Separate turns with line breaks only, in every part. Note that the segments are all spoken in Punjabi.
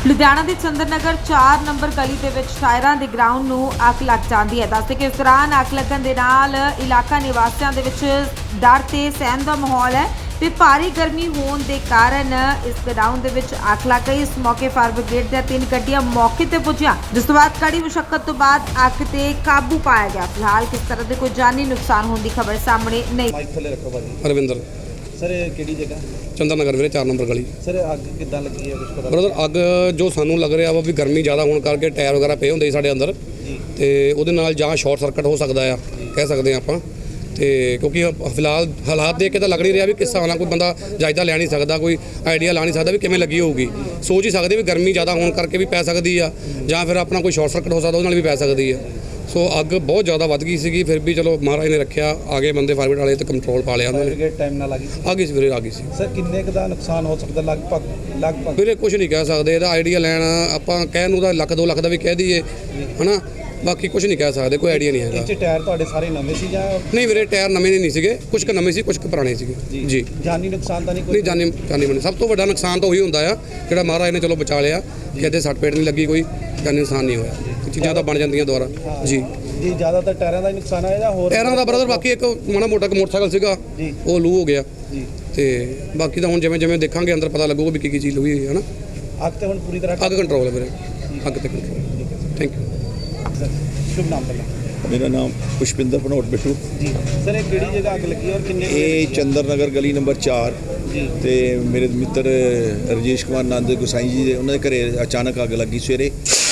ਲੁਧਿਆਣਾ ਦੇ ਚੰਦਰ ਨਗਰ 4 ਨੰਬਰ ਗਲੀ ਦੇ ਵਿੱਚ ਟਾਇਰਾਂ ਦੇ ਗਰਾਊਂਡ ਨੂੰ ਅੱਗ ਲੱਗ ਜਾਂਦੀ ਹੈ। ਦੱਸਦੇ ਕਿ ਇਸ ਦੌਰਾਨ ਅੱਗ ਲੱਗਣ ਦੇ ਨਾਲ ਇਲਾਕਾ ਨਿਵਾਸੀਆਂ ਦੇ ਵਿੱਚ ਡਰ ਤੇ ਸਹਿਮ ਦਾ ਮਾਹੌਲ ਹੈ ਤੇ ਭਾਰੀ ਗਰਮੀ ਹੋਣ ਦੇ ਕਾਰਨ ਇਸ ਗਰਾਊਂਡ ਦੇ ਵਿੱਚ ਅੱਗ ਲੱਗ ਗਈ। ਇਸ ਮੌਕੇ ਫਾਇਰ ਬ੍ਰਿਗੇਡ ਦੀਆਂ 3 ਗੱਡੀਆਂ ਮੌਕੇ ਤੇ ਪਹੁੰਚੀਆਂ, ਜਿਸ ਤੋਂ ਬਾਅਦ ਕੜੀ ਮੁਸ਼ੱਕਤ ਤੋਂ ਬਾਅਦ ਅੱਗ ਤੇ ਕਾਬੂ ਪਾਇਆ ਗਿਆ। ਫਿਲਹਾਲ ਕਿਸ ਤਰ੍ਹਾਂ ਦੇ ਕੋਈ ਜਾਨੀ ਨੁਕਸਾਨ ਹੋਣ ਦੀ ਖਬਰ ਸਾਹਮਣੇ ਨਹੀਂ।
ਮਾਈਕ ਥੱਲੇ ਰੱਖੋ ਭਾਜੀ।
ਰਵਿੰਦਰ
ਸਰ ਇਹ ਕਿਹੜੀ ਜਗ੍ਹਾ?
ਚੰਦਰ ਨਗਰ ਵੀਰੇ 4 ਨੰਬਰ ਗਲੀ।
ਸਰ ਅੱਗ ਕਿੱਦਾਂ ਲੱਗੀ ਹੈ, ਕੁਝ ਪਤਾ?
ਬ੍ਰਦਰ ਅੱਗ ਜੋ ਸਾਨੂੰ ਲੱਗ ਰਿਹਾ ਵਾ ਵੀ ਗਰਮੀ ਜ਼ਿਆਦਾ ਹੋਣ ਕਰਕੇ ਟਾਇਰ ਵਗੈਰਾ ਪਏ ਹੁੰਦੇ ਸੀ ਸਾਡੇ ਅੰਦਰ ਤੇ ਉਹਦੇ ਨਾਲ ਜਾਂ ਸ਼ਾਰਟ ਸਰਕਟ ਹੋ ਸਕਦਾ ਆ, ਕਹਿ ਸਕਦੇ ਆ ਆਪਾਂ। ਤੇ ਕਿਉਂਕਿ ਫਿਲਹਾਲ ਹਾਲਾਤ ਦੇਖ ਕੇ ਤਾਂ ਲੱਗ ਨਹੀਂ ਰਿਹਾ ਵੀ ਕਿਸ ਹਿਸਾਬ ਨਾਲ ਕੋਈ ਬੰਦਾ ਜਾਇਜ਼ਾ ਲੈ ਨਹੀਂ ਸਕਦਾ, ਕੋਈ ਆਈਡੀਆ ਲਾ ਨਹੀਂ ਸਕਦਾ ਵੀ ਕਿਵੇਂ ਲੱਗੀ ਹੋਊਗੀ। ਸੋਚ ਹੀ ਸਕਦੇ ਵੀ ਗਰਮੀ ਜ਼ਿਆਦਾ ਹੋਣ ਕਰਕੇ ਵੀ ਪੈ ਸਕਦੀ ਆ, ਜਾਂ ਫਿਰ ਆਪਣਾ ਕੋਈ ਸ਼ਾਰਟ ਸਰਕਟ ਹੋ ਸਕਦਾ, ਉਹਦੇ ਨਾਲ ਵੀ ਪੈ ਸਕਦੀ ਆ। ਸੋ ਅੱਗ ਬਹੁਤ ਜ਼ਿਆਦਾ ਵੱਧ ਗਈ ਸੀਗੀ, ਫਿਰ ਵੀ ਚਲੋ ਮਹਾਰਾਜ ਨੇ ਰੱਖਿਆ, ਆ ਗਏ ਬੰਦੇ ਫਾਇਰ ਬ੍ਰਿਗੇਡ ਵਾਲੇ ਤੇ ਕੰਟਰੋਲ ਪਾ ਲਿਆ ਉਹਨਾਂ ਨੇ।
ਬ੍ਰਿਗੇਡ ਟਾਈਮ ਨਾਲ
ਆ ਗਈ ਸੀ ਵੀਰੇ, ਆ ਗਈ ਸੀ।
ਸਰ ਕਿੰਨੇ ਕੁ ਦਾ ਨੁਕਸਾਨ ਹੋ ਸਕਦਾ ਲਗਭਗ?
ਵੀਰੇ ਕੁਝ ਨਹੀਂ ਕਹਿ ਸਕਦੇ, ਇਹਦਾ ਆਈਡੀਆ ਲੈਣ ਆਪਾਂ ਕਹਿਣ ਨੂੰ ਤਾਂ ਲੱਖ 2 ਲੱਖ ਦਾ ਵੀ ਕਹਿ ਦਈਏ ਹਨਾ, ਬਾਕੀ ਕੁਝ ਨਹੀਂ ਕਹਿ ਸਕਦੇ, ਕੋਈ ਆਈਡੀਆ ਨਹੀਂ ਹੈਗਾ।
ਇਹ ਟਾਇਰ ਤੁਹਾਡੇ ਸਾਰੇ ਨਵੇਂ ਸੀ ਜਾਂ?
ਨਹੀਂ ਵੀਰੇ ਟਾਇਰ ਨਵੇਂ ਨਹੀਂ ਸੀਗੇ, ਕੁਝ ਕੁ ਨਵੇਂ ਸੀ, ਕੁਝ ਕੁ ਪੁਰਾਣੇ ਸੀਗੇ ਜੀ।
ਜਾਨੀ ਨੁਕਸਾਨ ਤਾਂ ਨਹੀਂ ਕੋਈ?
ਨਹੀਂ ਜਾਨੀ ਬਣੀ। ਸਭ ਤੋਂ ਵੱਡਾ ਨੁਕਸਾਨ ਤਾਂ ਉਹੀ ਹੁੰਦਾ ਆ ਜਿਹੜਾ ਮਹਾਰਾਜ ਨੇ ਚਲੋ ਬਚਾ ਲਿਆ, ਕਿਤੇ ਸੱਟ ਪੇਟ ਨਹੀਂ ਲੱਗੀ, ਕੋਈ ਜਾਨੀ ਨੁਕਸਾਨ ਨਹੀਂ ਹੋਇਆ। ਚੀਜ਼ਾਂ ਤਾਂ ਬਣ ਜਾਂਦੀਆਂ ਦੁਬਾਰਾ ਜੀ।
ਜੀ ਜ਼ਿਆਦਾਤਰ ਟਾਇਰਾਂ ਦਾ ਹੀ ਨੁਕਸਾਨ ਆਇਆ ਜਾਂ ਹੋਰ?
ਟਾਇਰਾਂ ਦਾ ਬ੍ਰਦਰ ਬਾਕੀ ਇੱਕ ਮਾੜਾ ਮੋਟਾ ਮੋਟਰਸਾਈਕਲ ਸੀਗਾ ਉਹ ਲੂ ਹੋ ਗਿਆ
ਜੀ, ਤੇ
ਬਾਕੀ ਤਾਂ ਹੁਣ ਜਿਵੇਂ ਦੇਖਾਂਗੇ ਅੰਦਰ ਪਤਾ ਲੱਗੂਗਾ ਵੀ ਕੀ ਚੀਜ਼ ਹੋਈ ਹੈ ਨਾ।
ਅੱਗ ਤੇ ਹੁਣ ਪੂਰੀ ਤਰ੍ਹਾਂ
ਅੱਗ ਕੰਟਰੋਲ ਹੈ ਵੀਰੇ, ਅੱਗ ਤੇ ਕੰਟਰੋਲ। Thank you.
ਸ਼ੁਭ ਨਾਮ ਪਹਿਲਾਂ?
मेरा नाम पुष्पिंदर भनोट बिट्टू
ਜੀ। ਸਰ ਇਹ ਕਿਹੜੀ ਜਗ੍ਹਾ ਅੱਗ ਲੱਗੀ ਔਰ ਕਿੰਨੇ?
ਇਹ ਚੰਦਰ ਨਗਰ ਗਲੀ ਨੰਬਰ 4
ਜੀ।
ਤੇ ਮੇਰੇ ਮਿੱਤਰ ਰਜੇਸ਼ ਕੁਮਾਰ ਨੰਦ ਗੁਸਾਈ ਜੀ ਦੇ ਉਹਨਾਂ ਦੇ ਘਰੇ ਅਚਾਨਕ ਅੱਗ ਲੱਗੀ ਸਵੇਰੇ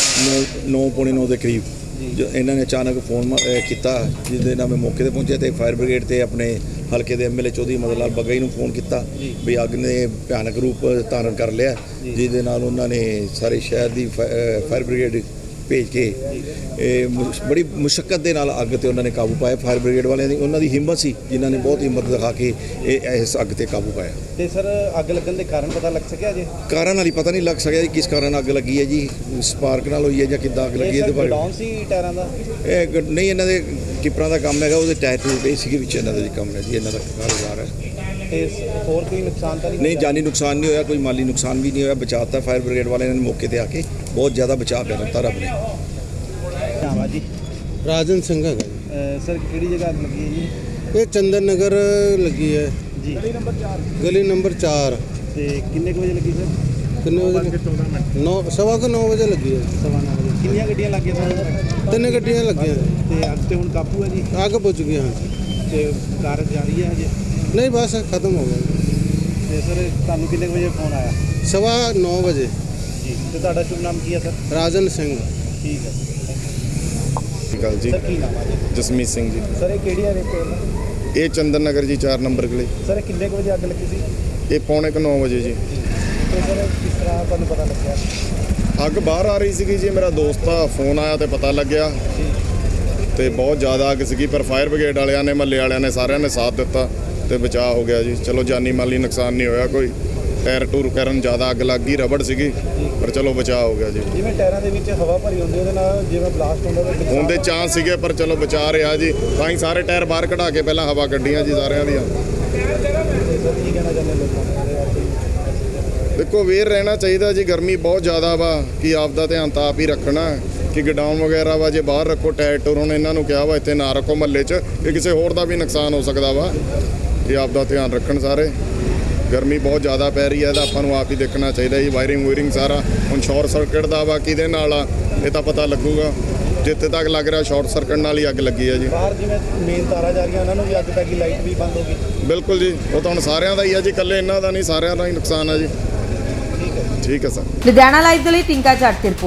9:45 ਦੇ ਕਰੀਬ। ਜੋ ਇਹਨਾਂ ਨੇ ਅਚਾਨਕ ਫੋਨ ਕੀਤਾ, ਜਿਹਦੇ ਨਾਲ ਮੈਂ ਮੌਕੇ ਤੇ ਪਹੁੰਚਿਆ ਤੇ ਫਾਇਰ ਬ੍ਰਿਗੇਡ ਤੇ ਆਪਣੇ ਹਲਕੇ ਦੇ ਐਮਐਲਏ ਚੌਧਰੀ ਮਦਨ ਲਾਲ ਬੱਗਾ ਜੀ ਨੂੰ ਫੋਨ ਕੀਤਾ ਵੀ ਅੱਗ ਨੇ ਭਿਆਨਕ ਰੂਪ ਧਾਰਨ ਕਰ ਲਿਆ, ਜਿਹਦੇ ਨਾਲ ਉਹਨਾਂ ਨੇ ਸਾਰੇ ਸ਼ਹਿਰ ਦੀ ਫਾਇਰ ਬ੍ਰਿਗੇਡ ਭੇਜ ਕੇ ਇਹ ਬੜੀ ਮੁਸ਼ੱਕਤ ਦੇ ਨਾਲ ਅੱਗ ਤੇ ਉਹਨਾਂ ਨੇ ਕਾਬੂ ਪਾਇਆ। ਫਾਇਰ ਬ੍ਰਿਗੇਡ ਵਾਲਿਆਂ ਦੀ ਉਹਨਾਂ ਦੀ ਹਿੰਮਤ ਸੀ, ਜਿਨ੍ਹਾਂ ਨੇ ਬਹੁਤ ਹਿੰਮਤ ਦਿਖਾ ਕੇ ਇਸ ਅੱਗ ਤੇ ਕਾਬੂ ਪਾਇਆ।
ਤੇ ਸਰ ਅੱਗ ਲੱਗਣ ਦੇ ਕਾਰਨ ਪਤਾ ਲੱਗ ਸਕਿਆ ਜੀ?
ਕਾਰਨ ਹਾਲੇ ਪਤਾ ਨਹੀਂ ਲੱਗ ਸਕਿਆ ਜੀ ਕਿਸ ਕਾਰਨ ਅੱਗ ਲੱਗੀ ਹੈ ਜੀ, ਸਪਾਰਕ ਨਾਲ ਹੋਈ ਹੈ ਜਾਂ ਕਿੱਦਾਂ ਅੱਗ ਲੱਗੀ ਇਹਦੇ ਬਾਰੇ।
ਗੋਡਾਊਨ ਸੀ ਟਾਇਰਾਂ ਦਾ?
ਇਹ ਨਹੀਂ, ਇਹਨਾਂ ਦੇ ਕਿਪਰਾਂ ਦਾ ਕੰਮ ਹੈਗਾ, ਉਹਦੇ ਟਾਇਰ ਟੂਰ ਪਏ ਸੀਗੇ ਵਿੱਚ, ਇਹਨਾਂ ਦਾ ਜੀ ਕੰਮ ਹੈ ਜੀ, ਇਹਨਾਂ ਦਾ ਕਾਰੋਬਾਰ ਹੈ।
ਤੇ ਹੋਰ ਕੋਈ ਨੁਕਸਾਨ ਤਾਂ
ਨਹੀਂ ਜਾਨੀ ਨੁਕਸਾਨ ਨਹੀਂ ਹੋਇਆ, ਕੋਈ ਮਾਲੀ ਨੁਕਸਾਨ ਵੀ ਨਹੀਂ ਹੋਇਆ, ਬਚਾਤਾ ਫਾਇਰ ਬ੍ਰਿਗੇਡ ਵਾਲਿਆਂ ਨੇ ਮੌਕੇ ਤੇ ਆ ਕੇ ਬਹੁਤ ਜ਼ਿਆਦਾ ਬਚਾਅ ਕਰ ਦਿੱਤਾ ਰੱਬ ਨੇ।
ਧੰਨਵਾਦ ਜੀ।
ਰਾਜਨ ਸਿੰਘ ਹੈਗਾ ਜੀ।
ਸਰ ਕਿਹੜੀ ਜਗ੍ਹਾ ਅੱਗ ਲੱਗੀ ਹੈ ਜੀ?
ਇਹ ਚੰਦਰ ਨਗਰ ਲੱਗੀ ਹੈ
ਜੀ, ਗਲੀ ਨੰਬਰ 4।
ਗਲੀ ਨੰਬਰ 4।
ਤੇ ਕਿੰਨੇ ਕੁ ਵਜੇ ਲੱਗੀ ਸਰ?
ਕਿੰਨੇ ਵਜੇ? 9:15 ਵਜੇ ਲੱਗੀ ਹੈ।
9:15 ਵਜੇ। ਕਿੰਨੀਆਂ ਗੱਡੀਆਂ ਲੱਗੀਆਂ ਸਰ?
3 ਗੱਡੀਆਂ ਲੱਗੀਆਂ।
ਤੇ ਅੱਗ ਤੇ ਹੁਣ ਕਾਬੂ ਹੈ ਜੀ?
ਅੱਗ ਪੁੱਜ ਗਈ ਹਾਂ।
ਤੇ ਕਾਰਜ ਜਾਰੀ ਹੈ ਹਜੇ?
ਨਹੀਂ ਬਸ ਖਤਮ ਹੋ ਗਿਆ।
ਤੇ ਸਰ ਤੁਹਾਨੂੰ ਕਿੰਨੇ ਕੁ ਵਜੇ ਫੋਨ ਆਇਆ?
9:15 ਵਜੇ।
ਜੀ। ਤੇ ਤੁਹਾਡਾ ਸ਼ੁਭ ਨਾਮ ਕੀ ਹੈ ਸਰ?
ਰਾਜਨ ਸਿੰਘ।
ਠੀਕ ਹੈ
ਗੱਲ ਜੀ।
ਸਰ ਕੀ ਨਾਮ ਹੈ ਜੀ?
ਜਸਮੀਤ ਸਿੰਘ ਜੀ।
ਸਰ ਇਹ ਕਿਹੜੀ ਹੈ ਰੇਟ?
ਇਹ ਚੰਦਰ ਨਗਰ ਜੀ 4 ਨੰਬਰ ਗਲੀ।
ਸਰ ਕਿੰਨੇ ਕੁ ਵਜੇ ਅੱਗ ਲੱਗੀ ਸੀ?
ਇਹ ਪੌਣੇ 9 ਵਜੇ ਜੀ।
ਤੇ ਸਰ ਕਿਸ ਤਰ੍ਹਾਂ ਤੁਹਾਨੂੰ ਪਤਾ ਲੱਗਿਆ?
ਅੱਗ ਬਾਹਰ ਆ ਰਹੀ ਸੀਗੀ ਜੀ, ਮੇਰਾ ਦੋਸਤ ਦਾ ਫੋਨ ਆਇਆ ਤੇ ਪਤਾ ਲੱਗਿਆ ਤੇ ਬਹੁਤ ਜ਼ਿਆਦਾ ਅੱਗ ਸੀਗੀ, ਪਰ ਫਾਇਰ ਬ੍ਰਿਗੇਡ ਵਾਲਿਆਂ ਨੇ, ਮਹੱਲੇ ਵਾਲਿਆਂ ਨੇ, ਸਾਰਿਆਂ ਨੇ ਸਾਥ ਦਿੱਤਾ ਤੇ ਬਚਾਅ ਹੋ ਗਿਆ ਜੀ। ਚਲੋ ਜਾਨੀ ਮਾਲੀ ਨੁਕਸਾਨ ਨਹੀਂ ਹੋਇਆ ਕੋਈ, ਟਾਇਰ ਟੂਰ ਕਰਨ ਜ਼ਿਆਦਾ ਅੱਗ ਲੱਗ ਗਈ, ਰਬੜ ਸੀਗੀ, ਪਰ ਚਲੋ ਬਚਾਅ ਹੋ ਗਿਆ ਜੀ।
ਜਿਵੇਂ ਟਾਇਰਾਂ ਦੇ ਵਿੱਚ ਹਵਾ ਭਰੀ ਹੁੰਦੀ ਉਹਦੇ ਨਾਲ ਜਿਵੇਂ ਬਲਾਸਟ ਹੁੰਦਾ ਤਾਂ
ਹੁੰਦੇ ਚਾਂਸ ਸੀਗੇ, ਪਰ ਚਲੋ ਬਚਾ ਰਿਹਾ ਜੀ। ਤਾਂ ਹੀ ਸਾਰੇ ਟਾਇਰ ਬਾਹਰ ਕਢਾ ਕੇ ਪਹਿਲਾਂ ਹਵਾ ਕੱਢੀਆਂ ਜੀ ਸਾਰਿਆਂ ਦੀਆਂ।
ਸਰ ਕੀ ਕਹਿਣਾ ਚਾਹੁੰਦੇ ਲੋਕਾਂ ਨੂੰ?
ਦੇਖੋ ਅਵੇਅਰ ਰਹਿਣਾ ਚਾਹੀਦਾ ਜੀ, ਗਰਮੀ ਬਹੁਤ ਜ਼ਿਆਦਾ ਵਾ, ਕਿ ਆਪ ਦਾ ਧਿਆਨ ਤਾਂ ਆਪ ਹੀ ਰੱਖਣਾ, ਕਿ ਗਡਾਊਨ ਵਗੈਰਾ ਵਾ ਜੇ ਬਾਹਰ ਰੱਖੋ ਟਾਇਰ ਟੂਰ। ਹੁਣ ਇਹਨਾਂ ਨੂੰ ਕਿਹਾ ਵਾ ਇੱਥੇ ਨਾ ਰੱਖੋ ਮਹੱਲੇ 'ਚ, ਕਿ ਕਿਸੇ ਹੋਰ ਦਾ ਵੀ ਨੁਕਸਾਨ ਹੋ ਸਕਦਾ ਵਾ, ਕਿ ਆਪ ਦਾ ਧਿਆਨ ਰੱਖਣ ਸਾਰੇ। ਗਰਮੀ ਬਹੁਤ ਜ਼ਿਆਦਾ ਪੈ ਰਹੀ ਹੈ, ਇਹਦਾ ਆਪਾਂ ਨੂੰ ਆਪ ਹੀ ਦੇਖਣਾ ਚਾਹੀਦਾ ਜੀ। ਵਾਇਰਿੰਗ ਸਾਰਾ ਹੁਣ ਸ਼ਾਰਟ ਸਰਕਟ ਦਾ ਵਾ, ਕਿਹਦੇ ਨਾਲ ਆ ਇਹ ਤਾਂ ਪਤਾ ਲੱਗੂਗਾ। ਜਿੱਥੇ ਤੱਕ ਲੱਗ ਰਿਹਾ ਸ਼ਾਰਟ ਸਰਕਟ ਨਾਲ ਹੀ ਅੱਗ ਲੱਗੀ ਹੈ ਜੀ।
ਬਾਹਰ ਜਿਵੇਂ ਮੇਨ ਤਾਰਾਂ ਜਾ ਰਹੀਆਂ ਉਹਨਾਂ ਨੂੰ ਵੀ ਅੱਗ ਪੈ ਗਈ, ਲਾਈਟ ਵੀ ਬੰਦ ਹੋ ਗਈ।
ਬਿਲਕੁਲ ਜੀ, ਉਹ ਤਾਂ ਹੁਣ ਸਾਰਿਆਂ ਦਾ ਹੀ ਹੈ ਜੀ, ਇਕੱਲੇ ਇਹਨਾਂ ਦਾ ਨਹੀਂ, ਸਾਰਿਆਂ ਦਾ ਹੀ ਨੁਕਸਾਨ ਹੈ ਜੀ। ਠੀਕ ਹੈ ਸਰ।
ਲੁਧਿਆਣਾ ਲਾਈਵ ਦੇ ਲਈ ਟਿੰਕਾ ਜੱਟ ਦੀ ਰਿਪੋਰਟ।